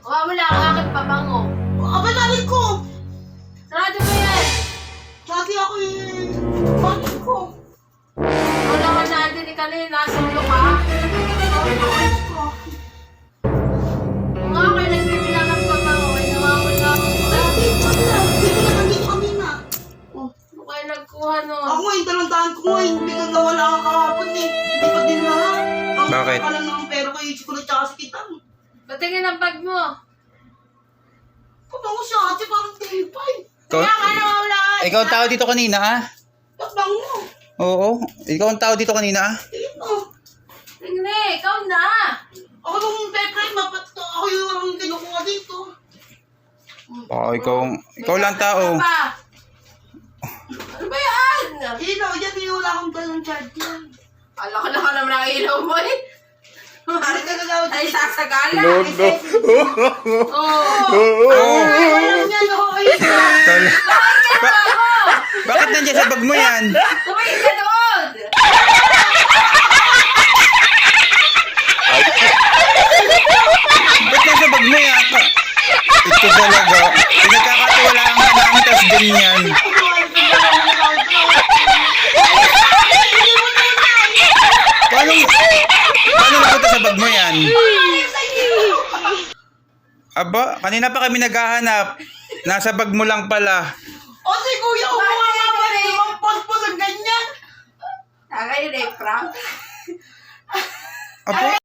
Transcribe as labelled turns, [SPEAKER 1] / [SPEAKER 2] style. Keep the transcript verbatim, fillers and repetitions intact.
[SPEAKER 1] Wala ang aking pabango.
[SPEAKER 2] Aba, nalit ko.
[SPEAKER 1] Sarado mo yan.
[SPEAKER 2] Dati ako yung... Bakit ko?
[SPEAKER 1] Wala ka natin ni kanina. Solo ka.
[SPEAKER 2] Bakit ko?
[SPEAKER 1] Kung nga kayo nagbibilang ng pabango, ay nawawala ako.
[SPEAKER 2] Dati, sabi na. Hindi ko na nandito kanina. Oh.
[SPEAKER 1] Ano kayo nagkuha nun?
[SPEAKER 2] Ako ngayon, talantahan ko ngayon. Biglang nawala ka kahapon eh. Hindi pa din lahat. Ang
[SPEAKER 3] Bakit?
[SPEAKER 2] ka lang ng pera ko yung ko na tsaka sa kitang.
[SPEAKER 1] Patingin ang bag mo.
[SPEAKER 2] Pabango siya ate, parang tipay.
[SPEAKER 3] Ikaw,
[SPEAKER 1] Kaya ka nawawala ka.
[SPEAKER 3] ikaw ang tao dito kanina, ah?
[SPEAKER 2] Pabango.
[SPEAKER 3] Oo. Ikaw ang tao dito kanina, ah?
[SPEAKER 2] Ito.
[SPEAKER 1] Tingnan, ikaw na.
[SPEAKER 2] Ako nung pepper, mapat to. Ako yung ang kinukuha dito.
[SPEAKER 3] Oo, ikaw, ikaw lang tao.
[SPEAKER 1] Ano ba? Ano ba yan?
[SPEAKER 2] Ilaw, yan yung wala akong talang charge yan.
[SPEAKER 1] Ala ko na ka naman ang ilaw mo eh.
[SPEAKER 2] Ano ka gagawin?
[SPEAKER 1] Ay, sasagala.
[SPEAKER 3] No, no.
[SPEAKER 1] Oo.
[SPEAKER 3] Oo.
[SPEAKER 2] Ay, walang yan. Ako ay
[SPEAKER 3] Tol-
[SPEAKER 1] Bakit ka na ako?
[SPEAKER 3] Bakit nandiyan sa bag mo yan?
[SPEAKER 1] Tumingin ka doon.
[SPEAKER 3] Ba't nasa bag mo yan? Ito talaga. Pinagkakatiwalaan ka namin, tas ganyan. Paano, paano napunta sa bag mo yan? Aba, kanina pa kami naghahanap. Nasa bag mo lang pala.
[SPEAKER 2] O si kuya, umuha nga ba rin yung pagpos ang ganyan?
[SPEAKER 1] Tagay yun eh, prank.
[SPEAKER 3] Aba,